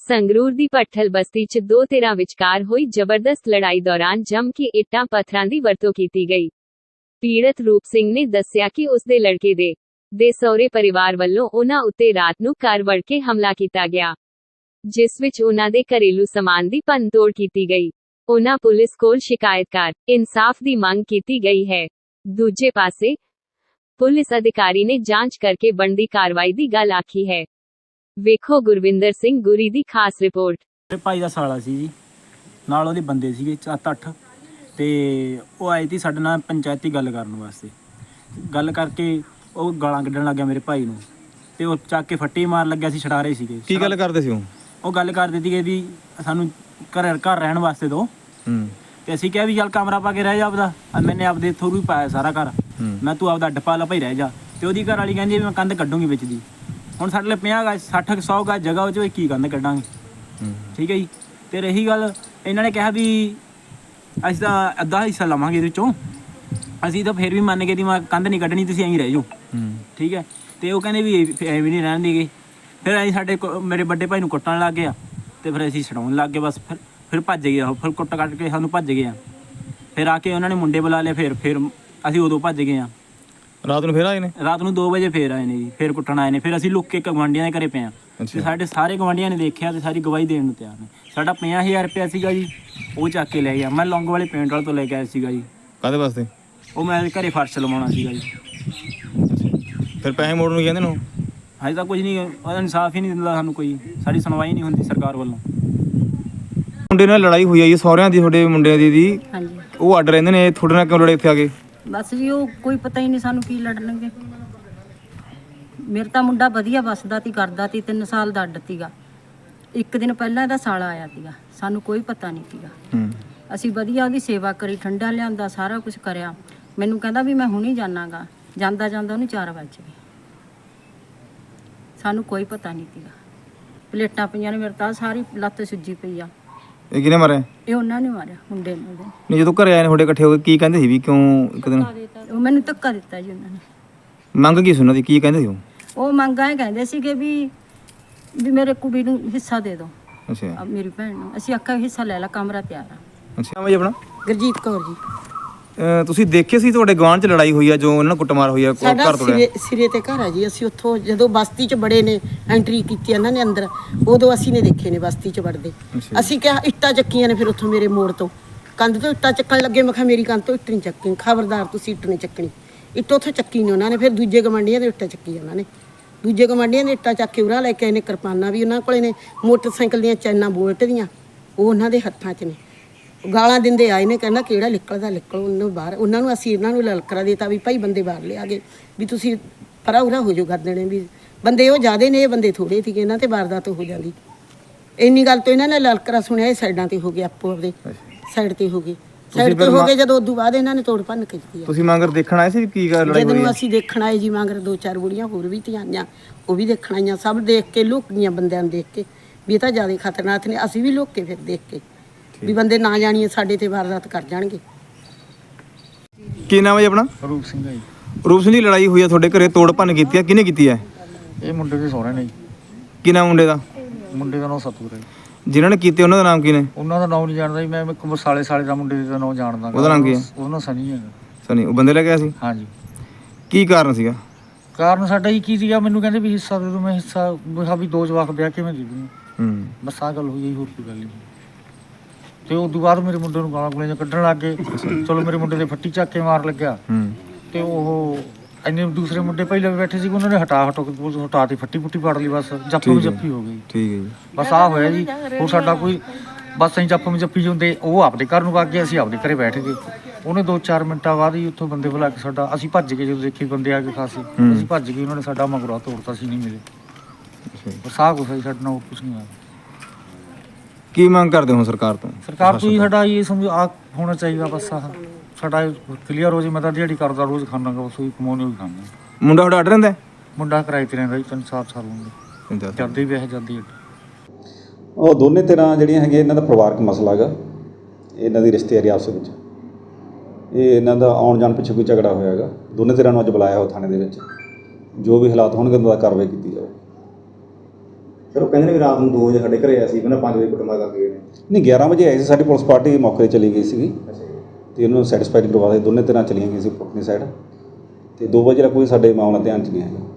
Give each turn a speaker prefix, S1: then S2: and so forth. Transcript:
S1: ਸੰਗਰੂਰ ਦੀ ਭੱਠਲ ਬਸਤੀ 'ਚ ਦੋ ਧਿਰਾਂ ਵਿਚਕਾਰ ਹੋਈ ਜ਼ਬਰਦਸਤ ਲੜਾਈ ਦੌਰਾਨ ਜੰਮ ਕੇ ਇੱਟਾਂ ਪੱਥਰਾਂ ਦੀ ਵਰਤੋਂ ਕੀਤੀ ਗਈ। ਪੀੜਤ ਰੂਪ ਸਿੰਘ ਨੇ ਦੱਸਿਆ ਕਿ ਉਸ ਦੇ ਲੜਕੇ ਦੇ ਸਹੁਰੇ ਪਰਿਵਾਰ ਵੱਲੋਂ ਉਨ੍ਹਾਂ ਉੱਤੇ ਰਾਤ ਨੂੰ ਘਰ ਵੜ ਕੇ ਹਮਲਾ ਕੀਤਾ ਗਿਆ, ਜਿਸ ਵਿੱਚ ਉਨ੍ਹਾਂ ਦੇ ਘਰੇਲੂ ਸਮਾਨ ਦੀ ਭੰਨਤੋੜ ਕੀਤੀ ਗਈ। ਉਨ੍ਹਾਂ ਪੁਲਿਸ ਕੋਲ ਸ਼ਿਕਾਇਤ ਕਰ ਇਨਸਾਫ ਦੀ ਮੰਗ ਕੀਤੀ ਗਈ ਹੈ। ਦੂਜੇ ਪਾਸੇ ਪੁਲਿਸ ਅਧਿਕਾਰੀ ਨੇ ਜਾਂਚ ਕਰਕੇ ਬਣਦੀ ਕਾਰਵਾਈ ਦੀ ਗੱਲ ਆਖੀ ਹੈ। ਵੇਖੋ ਗੁਰਵਿੰਦਰ ਸਿੰਘ ਗੁਰੀ ਦੀ ਖਾਸ ਰਿਪੋਰਟ।
S2: ਮੇਰੇ ਭਾਈ ਦਾ ਸਾਲਾ ਸੀ ਜੀ, ਨਾਲ ਉਹਦੇ ਬੰਦੇ ਸੀਗੇ 7-8 ਤੇ ਉਹ ਆਏ ਸੀ ਸਾਡੇ ਨਾਲ ਪੰਚਾਇਤੀ ਗੱਲ ਕਰਨ ਵਾਸਤੇ। ਗੱਲ ਕਰਕੇ ਉਹ ਗਾਲਾਂ ਕੱਢਣ ਲੱਗ ਗਿਆ ਮੇਰੇ ਭਾਈ ਨੂੰ ਤੇ ਉਹ ਚੱਕ ਕੇ ਫੱਟੀ ਮਾਰ ਲੱਗਿਆ ਸੀ, ਛਡਾ ਰਹੇ ਸੀਗੇ।
S3: ਕੀ ਗੱਲ ਕਰਦੇ ਸੀ
S2: ਉਹ ਗੱਲ ਕਰਦੇ ਸੀਗੇ ਵੀ ਸਾਨੂੰ ਘਰ ਰਹਿਣ ਵਾਸਤੇ ਦੋ। ਤੇ ਅਸੀਂ ਕਿਹਾ ਵੀ ਚੱਲ ਕਮਰਾ ਪਾ ਕੇ ਰਹਿ ਜਾ ਆਪਦਾ, ਮੈਨੇ ਆਪਦੇ ਥਰੂ ਹੀ ਪਾਇਆ ਸਾਰਾ ਘਰ, ਮੈਂ ਤੂੰ ਆਪਦਾ ਅੱਡ ਪਾ ਲਾ ਭਾਈ ਰਹਿ ਜਾ। ਤੇ ਉਹਦੀ ਘਰ ਵਾਲੀ ਕਹਿੰਦੀ ਵੀ ਮੈਂ ਕੰਧ ਕੱਢੂੰਗੀ ਵਿੱਚ ਦੀ। ਹੁਣ ਸਾਡੇ ਲਈ 50 ਗਜ 60-100 ਗਜ ਜਗ੍ਹਾ ਉਹ 'ਚ ਕੀ ਕੰਧ ਕੱਢਾਂਗੇ। ਠੀਕ ਹੈ ਜੀ। ਤੇ ਰਹੀ ਗੱਲ, ਇਹਨਾਂ ਨੇ ਕਿਹਾ ਵੀ ਅਸੀਂ ਤਾਂ ਅੱਧਾ ਹਿੱਸਾ ਲਵਾਂਗੇ ਇਹਦੇ 'ਚੋਂ, ਅਸੀਂ ਤਾਂ ਫਿਰ ਵੀ ਮੰਨ ਗਏ ਦੀ ਮੈਂ ਕੰਧ ਨਹੀਂ ਕੱਢਣੀ, ਤੁਸੀਂ ਐਂ ਰਹਿ ਜਾਓ। ਠੀਕ ਹੈ। ਤੇ ਉਹ ਕਹਿੰਦੇ ਵੀ ਐਵੇਂ ਨਹੀਂ ਰਹਿਣ ਦੇਗੇ। ਫਿਰ ਅਸੀਂ ਮੇਰੇ ਵੱਡੇ ਭਾਈ ਨੂੰ ਕੁੱਟਣ ਲੱਗ ਗਿਆ ਤੇ ਫਿਰ ਅਸੀਂ ਛਡਾਉਣ ਲੱਗ ਗਏ। ਬਸ ਫਿਰ ਭੱਜ ਗਏ ਉਹ, ਫਿਰ ਕੁੱਟ ਕੱਢ ਕੇ ਸਾਨੂੰ ਭੱਜ ਗਏ ਆ। ਫਿਰ ਆ ਕੇ ਉਹਨਾਂ ਨੇ ਮੁੰਡੇ ਬੁਲਾ ਲਏ, ਫਿਰ ਅਸੀਂ ਉਦੋਂ ਭੱਜ ਗਏ ਆ।
S3: ਰਾਤ ਨੂੰ ਫਿਰ ਆਏ ਨੇ?
S2: ਰਾਤ ਨੂੰ 2 ਵਜੇ ਫਿਰ ਆਏ ਨੇ ਜੀ, ਫਿਰ ਕੁੱਟਣ ਆਏ ਨੇ। ਫਿਰ ਅਸੀਂ ਲੁੱਕ ਕੇ ਗਵਾਂਢੀਆਂ ਦੇ ਘਰੇ ਪਏ ਆ ਤੇ ਸਾਡੇ ਸਾਰੇ ਗਵਾਂਢੀਆਂ ਨੇ ਦੇਖਿਆ ਤੇ ਸਾਰੀ ਗਵਾਹੀ ਦੇਣ ਨੂੰ ਤਿਆਰ ਨੇ। ਸਾਡਾ 50,000 ਰੁਪਇਆ ਸੀਗਾ ਜੀ, ਉਹ ਚੱਕ ਕੇ ਲੈ ਗਿਆ। ਮੈਂ ਲੌਂਗ ਵਾਲੇ ਪੇਂਟ ਵਾਲੇ ਤੋਂ ਲੈ ਕੇ ਆਇਆ ਸੀਗਾ ਜੀ।
S3: ਕਾਹਦੇ ਵਾਸਤੇ?
S2: ਉਹ ਮੈਂ ਘਰੇ ਫਰਸ਼ ਲਵਾਉਣਾ ਸੀਗਾ ਜੀ।
S3: ਫਿਰ ਪੈਸੇ ਮੋੜਨ ਨੂੰ ਕਹਿੰਦੇ ਨੇ?
S2: ਹਜੇ ਤਾਂ ਕੁਝ ਨਹੀਂ, ਉਹਦਾ ਇਨਸਾਫ ਹੀ ਨਹੀਂ ਦਿੰਦਾ ਸਾਨੂੰ ਕੋਈ, ਸਾਡੀ ਸੁਣਵਾਈ ਨਹੀਂ ਹੁੰਦੀ ਸਰਕਾਰ ਵੱਲੋਂ।
S3: ਮੁੰਡੇ ਨਾਲ ਲੜਾਈ ਹੋਈ ਆ ਜੀ ਸਹੁਰਿਆਂ ਦੀ, ਤੁਹਾਡੇ ਮੁੰਡਿਆਂ ਦੀ?
S4: ਹਾਂਜੀ।
S3: ਉਹ ਅੱਡ ਰਹਿੰਦੇ ਨੇ, ਤੁਹਾਡੇ ਨਾਲ ਕਿਉਂ ਲੜੇ ਇੱਥੇ ਆ ਕੇ?
S4: ਬਸ ਜੀ ਉਹ ਕੋਈ ਪਤਾ ਹੀ ਨਹੀਂ ਸਾਨੂੰ ਕੀ ਲੜਨਗੇ। ਮੇਰਾ ਤਾਂ ਮੁੰਡਾ ਵਧੀਆ ਵੱਸਦਾ ਤੀ, ਕਰਦਾ ਤੀ, 3 ਸਾਲ ਦਾ ਅੱਡ ਤੀਗਾ। ਇੱਕ ਦਿਨ ਪਹਿਲਾਂ ਇਹਦਾ ਸਾਲਾ ਆਇਆ ਤੀਗਾ, ਸਾਨੂੰ ਕੋਈ ਪਤਾ ਨਹੀਂ ਤੀਗਾ। ਅਸੀਂ ਵਧੀਆ ਉਹਦੀ ਸੇਵਾ ਕਰੀ, ਠੰਡਾ ਲਿਆਂਦਾ, ਸਾਰਾ ਕੁਝ ਕਰਿਆ। ਮੈਨੂੰ ਕਹਿੰਦਾ ਵੀ ਮੈਂ ਹੁਣੀ ਜਾਣਾਗਾ, ਜਾਂਦਾ ਉਹਨੂੰ 4 ਵਜੇ ਗਏ। ਸਾਨੂੰ ਕੋਈ ਪਤਾ ਨਹੀਂ ਤੀਗਾ। ਪਲੇਟਾਂ ਪਈਆਂ ਨੇ, ਮੇਰੇ ਤਾਂ ਸਾਰੀ ਲੱਤ ਸੁੱਜੀ ਪਈ ਆ।
S3: ਇਹ ਕਿਹਨੇ ਮਾਰਿਆ?
S4: ਇਹ ਉਹਨਾਂ ਨੇ ਮਾਰਿਆ, ਮੁੰਡੇ ਨੇ।
S3: ਨਹੀਂ, ਜਦੋਂ ਘਰੇ ਆਏ ਨੇ ਤੁਹਾਡੇ ਇਕੱਠੇ ਹੋ ਕੇ, ਕੀ ਕਹਿੰਦੇ ਸੀ ਵੀ ਕਿਉਂ ਇੱਕ ਦਿਨ?
S4: ਉਹ ਮੈਨੂੰ ਧੱਕਾ ਦਿੱਤਾ ਜੀ ਉਹਨਾਂ ਨੇ।
S3: ਮੰਗ ਕੀ ਸੀ ਉਹਨਾਂ ਦੀ, ਕੀ ਕਹਿੰਦੇ ਸੀ
S4: ਉਹ ਮੰਗਾਂ ਇਹ ਕਹਿੰਦੇ ਸੀਗੇ ਵੀ ਮੇਰੇ ਕੁੜੀ ਨੂੰ ਹਿੱਸਾ ਦੇ ਦਿਓ।
S3: ਅੱਛਾ।
S4: ਮੇਰੀ ਭੈਣ ਨੂੰ ਅਸੀਂ ਆਖਿਆ ਹਿੱਸਾ ਲੈ ਲਾ, ਕਮਰਾ ਤਿਆਰ ਆ।
S3: ਅੱਛਾ ਭਾਈ, ਆਪਣਾ?
S5: ਗੁਰਜੀਤ ਕੌਰ ਜੀ।
S3: ਤੁਸੀਂ ਦੇਖੇ ਸੀ ਤੁਹਾਡੇ ਗਵਾਂਢ 'ਚ ਲੜਾਈ ਹੋਈ ਆ, ਜੋ ਉਹਨਾਂ ਨਾਲ ਕੁੱਟਮਾਰ ਹੋਈ ਆ,
S5: ਸਾਡਾ
S3: ਘਰ ਤੋੜਿਆ?
S5: ਸਿਰੇ ਤੇ ਘਰ ਆ ਜੀ। ਅਸੀਂ ਉੱਥੋਂ ਜਦੋਂ ਬਸਤੀ 'ਚ ਬੜੇ ਨੇ, ਐਂਟਰੀ ਕੀਤੀ ਇਹਨਾਂ ਨੇ ਅੰਦਰ, ਉਦੋਂ ਅਸੀਂ ਨੇ ਦੇਖੇ ਨੇ ਬਸਤੀ 'ਚ ਵੜਦੇ। ਅਸੀਂ ਕਿਹਾ ਇੱਟਾਂ ਚੱਕੀਆਂ ਨੇ। ਫਿਰ ਉੱਥੋਂ ਮੇਰੇ ਮੋੜ ਤੋਂ ਕੰਧ ਤੋਂ ਇੱਟਾਂ ਚੱਕਣ ਲੱਗੇ। ਮੈਂ ਕਿਹਾ ਮੇਰੀ ਕੰਧ ਤੋਂ ਇੱਟ ਨਹੀਂ ਚੱਕਣੀ, ਖਬਰਦਾਰ ਤੁਸੀਂ ਇੱਟ ਨਹੀਂ ਚੱਕਣੀ। ਇੱਟ ਉੱਥੋਂ ਚੱਕੀ ਨੇ ਉਹਨਾਂ ਨੇ। ਫਿਰ ਦੂਜੇ ਗਵਾਂਢੀਆਂ ਦੇ ਇੱਟਾਂ ਚੱਕੀ ਉਹਨਾਂ ਨੇ। ਦੂਜੇ ਗਵਾਂਢੀਆਂ ਦੇ ਇੱਟਾਂ ਚੱਕ ਕੇ ਉਰਾਂ ਲੈ ਕੇ ਆਏ ਨੇ। ਕਿਰਪਾਨਾਂ ਵੀ ਉਹਨਾਂ ਕੋਲੇ ਨੇ, ਮੋਟਰਸਾਈਕਲ ਦੀਆਂ ਚੈਨਾਂ ਬੋਲਟ ਦੀਆਂ ਉਹ ਉਹਨਾਂ ਦੇ ਹੱਥਾਂ 'ਚ ਨੇ। ਗਾਲਾਂ ਦਿੰਦੇ ਆਏ ਨੇ, ਕਹਿੰਦਾ ਕਿਹੜਾ ਨਿਕਲਦਾ ਨਿਕਲ ਉਹਨੂੰ ਬਾਹਰ। ਉਹਨਾਂ ਨੂੰ ਅਸੀਂ ਇਹਨਾਂ ਨੂੰ ਲਲਕਰਾ ਦਿੱਤਾ ਵੀ ਭਾਈ ਬੰਦੇ ਬਾਹਰ ਲਿਆ ਗਏ, ਵੀ ਤੁਸੀਂ ਪਰਾ ਉਰਾ ਹੋ ਜਾਓ। ਕਰ ਦੇਣੇ ਵੀ ਬੰਦੇ ਉਹ ਜ਼ਿਆਦੇ ਨੇ, ਇਹ ਬੰਦੇ ਥੋੜ੍ਹੇ ਸੀਗੇ, ਇਹਨਾਂ ਤੇ ਵਾਰਦਾਤ ਹੋ ਜਾਂਦੀ। ਇੰਨੀ ਗੱਲ ਤੋਂ ਇਹਨਾਂ ਨੇ ਲਲਕਰਾ ਸੁਣਿਆ, ਇਹ ਸਾਈਡਾਂ ਤੇ ਹੋ ਗਏ, ਆਪੋ ਆਪਦੇ ਸਾਈਡ ਤੇ ਹੋ ਗਏ। ਸਾਈਡ ਤੇ ਹੋ ਗਏ ਜਦੋਂ ਉਦੋਂ ਬਾਅਦ ਇਹਨਾਂ ਨੇ ਤੋੜ ਭੰਨ ਕੇ ਦਿੱਤੀ।
S3: ਤੁਸੀਂ ਮੰਗਰ ਦੇਖਣ ਆਏ ਸੀ ਕੀ ਗੱਲ ਲੜਾਈ ਹੋਈ?
S5: ਜਦੋਂ ਅਸੀਂ ਦੇਖਣ ਆਏ ਜੀ, ਮੰਗਰ 2-4 ਬੁੜੀਆਂ ਹੋਰ ਵੀ ਧੀਆਂ ਆਈਆਂ, ਉਹ ਵੀ ਦੇਖਣ ਆਈਆਂ। ਸਭ ਦੇਖ ਕੇ ਲੁੱਕ ਗਈਆਂ ਬੰਦਿਆਂ ਨੂੰ ਦੇਖ ਕੇ ਵੀ ਇਹ ਤਾਂ ਜ਼ਿਆਦਾ ਖਤਰਨਾਕ ਨੇ। ਅਸੀਂ ਵੀ ਲੁੱਕ ਕੇ ਫਿਰ ਦੇਖ ਕੇ ਵੀ ਬੰਦੇ ਨਾ ਜਾਣੀਏ ਸਾਡੇ ਤੇ ਵਾਰਦਾਤ ਕਰ ਜਾਣਗੇ।
S3: ਕੀ ਨਾਮ ਹੈ ਜੀ ਆਪਣਾ?
S6: ਰੂਪ ਸਿੰਘ ਹੈ ਜੀ।
S3: ਰੂਪ ਸਿੰਘ ਦੀ ਲੜਾਈ ਹੋਈ ਆ ਤੁਹਾਡੇ ਘਰੇ, ਤੋੜ ਭੰਨ ਕੀਤੀ ਆ, ਕਿਹਨੇ ਕੀਤੀ ਹੈ?
S6: ਇਹ ਮੁੰਡੇ ਦੇ ਸਹੁਰੇ ਨੇ ਜੀ।
S3: ਕੀ ਨਾਮ ਮੁੰਡੇ ਦਾ?
S6: ਮੁੰਡੇ ਦਾ ਨਾਮ ਸਤੂਰ ਹੈ ਜੀ।
S3: ਜਿਨ੍ਹਾਂ ਨੇ ਕੀਤੇ ਉਹਨਾਂ ਦਾ ਨਾਮ ਕੀ ਨੇ?
S6: ਉਹਨਾਂ ਦਾ ਨਾਮ ਨਹੀਂ ਜਾਣਦਾ ਜੀ ਮੈਂ, ਇੱਕ ਸਾਲੇ ਦਾ ਮੁੰਡੇ ਦਾ ਨਾਮ ਜਾਣਦਾ।
S3: ਉਹਦਾ ਨਾਮ ਕੀ ਹੈ?
S6: ਉਹਦਾ ਸਨੀ ਹੈ।
S3: ਸਨੀ? ਉਹ ਬੰਦੇ ਲੈ ਕੇ ਆਇਆ ਸੀ?
S6: ਹਾਂਜੀ।
S3: ਕੀ ਕਾਰਨ ਸੀਗਾ?
S6: ਕਾਰਨ ਸਾਡਾ ਹੀ ਕੀ ਸੀਗਾ, ਮੈਨੂੰ ਕਹਿੰਦੇ ਵੀ ਹਿੱਸਾ ਦੇ ਦਿਓ। ਮੈਂ ਹਿੱਸਾ ਵੀ 2 ਜਵਾਕ ਵਿਆਹ ਕੇ ਮੈਂ ਦੇ ਦੂੰ। ਬਸ ਆਹ ਗੱਲ ਹੋਈ ਜੀ, ਹੋਰ ਕੋਈ ਗੱਲ ਨਹੀਂ। ਤੇ ਉਸ ਤੋਂ ਬਾਅਦ ਮੇਰੇ ਮੁੰਡੇ ਨੂੰ ਗਾਲਾਂ ਗੂਲਾਂ ਕੱਢਣ ਲੱਗ ਗਏ। ਚਲੋ ਮੇਰੇ ਮੁੰਡੇ ਦੇ ਫੱਟੀ ਚੱਕ ਕੇ ਮਾਰ ਲੱਗਿਆ। ਤੇ ਉਹ ਇੰਨੇ ਦੂਸਰੇ ਮੁੰਡੇ ਪਹਿਲਾਂ ਵੀ ਬੈਠੇ ਸੀ, ਉਹਨਾਂ ਨੇ ਹਟਾ ਤੇ ਫੱਟੀ ਫੁੱਟੀ ਪਾੜ ਲਈ। ਬਸ ਜੱਫੀ ਜੱਫੀ ਹੋ ਗਈ।
S3: ਠੀਕ ਹੈ ਜੀ।
S6: ਬਸ ਆਹ ਹੋਇਆ ਜੀ। ਹੋਰ ਸਾਡਾ ਕੋਈ ਬਸ ਅਸੀਂ ਜੱਫੀ ਜਾਂਦੇ, ਉਹ ਆਪਦੇ ਘਰ ਨੂੰ ਵਗ ਗਏ, ਅਸੀਂ ਆਪਦੇ ਘਰੇ ਬੈਠ ਗਏ। ਉਹਨੇ 2-4 ਮਿੰਟਾਂ ਬਾਅਦ ਹੀ ਉੱਥੋਂ ਬੰਦੇ ਬੁਲਾ ਕੇ ਸਾਡਾ, ਅਸੀਂ ਭੱਜ ਗਏ। ਜਦੋਂ ਦੇਖੀ ਬੰਦੇ ਆ ਕੇ ਖਾਸੇ, ਅਸੀਂ ਭੱਜ ਗਏ। ਉਹਨਾਂ ਨੇ ਸਾਡਾ ਮਗਰੋਂ ਤੋੜਤਾ, ਸੀ ਨਹੀਂ ਮਿਲੇ। ਬਸ ਆਹ ਕੁਛ ਸਾਡੇ ਨਾਲ, ਹੋਰ ਕੁਛ ਨਹੀਂ ਹੋਇਆ।
S3: ਕੀ ਮੰਗ ਕਰਦੇ ਹੋ ਸਰਕਾਰ ਤੋਂ?
S6: ਸਰਕਾਰ ਤੋਂ ਹੀ ਸਾਡਾ ਇਹ ਸਮਝ ਆ ਹੋਣਾ ਚਾਹੀਦਾ। ਬਸ ਆਹ ਸਾਡਾ ਕਲੀਅਰ ਹੋ ਜੇ। ਮੈਂ ਤਾਂ ਦਿਹਾੜੀ ਕਰਦਾ, ਰੋਜ਼ ਖਾਂਦਾ, ਬਸ ਉਹੀ ਕਮਾਉਣੇ ਉਹੀ ਖਾਂਦਾ।
S3: ਮੁੰਡਾ ਤੁਹਾਡਾ ਅੱਡ ਰਹਿੰਦਾ?
S6: ਮੁੰਡਾ ਕਿਰਾਏ ਤੇ ਰਹਿੰਦਾ ਜੀ, 3-4 ਸਾਲ ਹੁੰਦੇ ਜਾਂਦੇ ਵਿਆਹ ਜਾਂਦੀ।
S7: ਉਹ ਦੋਨੇ ਤਰ੍ਹਾਂ ਜਿਹੜੀਆਂ ਹੈਗੀਆਂ, ਇਹਨਾਂ ਦਾ ਪਰਿਵਾਰਕ ਮਸਲਾ ਹੈਗਾ, ਇਹਨਾਂ ਦੀ ਰਿਸ਼ਤੇਦਾਰੀ ਆਪਸ ਵਿੱਚ। ਇਹ ਇਹਨਾਂ ਦਾ ਆਉਣ ਜਾਣ ਪਿੱਛੇ ਕੋਈ ਝਗੜਾ ਹੋਇਆ ਹੈਗਾ। ਦੋਨੇ ਤਰ੍ਹਾਂ ਨੂੰ ਅੱਜ ਬੁਲਾਇਆ ਹੋ ਥਾਣੇ ਦੇ ਵਿੱਚ। ਜੋ ਵੀ ਹਾਲਾਤ ਹੋਣਗੇ ਉਹਨਾਂ ਦਾ ਕਾਰਵਾਈ ਕੀਤੀ ਜਾਵੇ।
S8: ਸਰ ਉਹ ਕਹਿੰਦੇ ਨੇ ਵੀ ਰਾਤ ਨੂੰ 2 ਵਜੇ ਸਾਡੇ ਘਰੇ ਆਇਆ ਸੀ ਪਹਿਲਾਂ 5 ਵਜੇ ਕੁੱਟਮਾਰ ਕਰਕੇ ਗਏ ਨੇ।
S7: ਨਹੀਂ 11 ਵਜੇ ਆਏ ਸੀ, ਸਾਡੀ ਪੁਲਿਸ ਪਾਰਟੀ ਮੌਕੇ 'ਤੇ ਚਲੀ ਗਈ ਸੀਗੀ
S8: ਅੱਛਾ ਜੀ।
S7: ਤੇ ਉਹਨੂੰ ਸੈਟੀਸਫਾਈਡ ਕਰਵਾ ਦੇ, ਦੋਨੇ ਧਿਰਾਂ ਚਲੀਆਂ ਗਈਆਂ ਸੀ ਆਪਣੀ ਸਾਈਡ, ਤੇ 2 ਵਜੇ ਦਾ ਕੋਈ ਸਾਡੇ ਮਾਮਲਾ ਧਿਆਨ 'ਚ ਨਹੀਂ ਆਇਆ।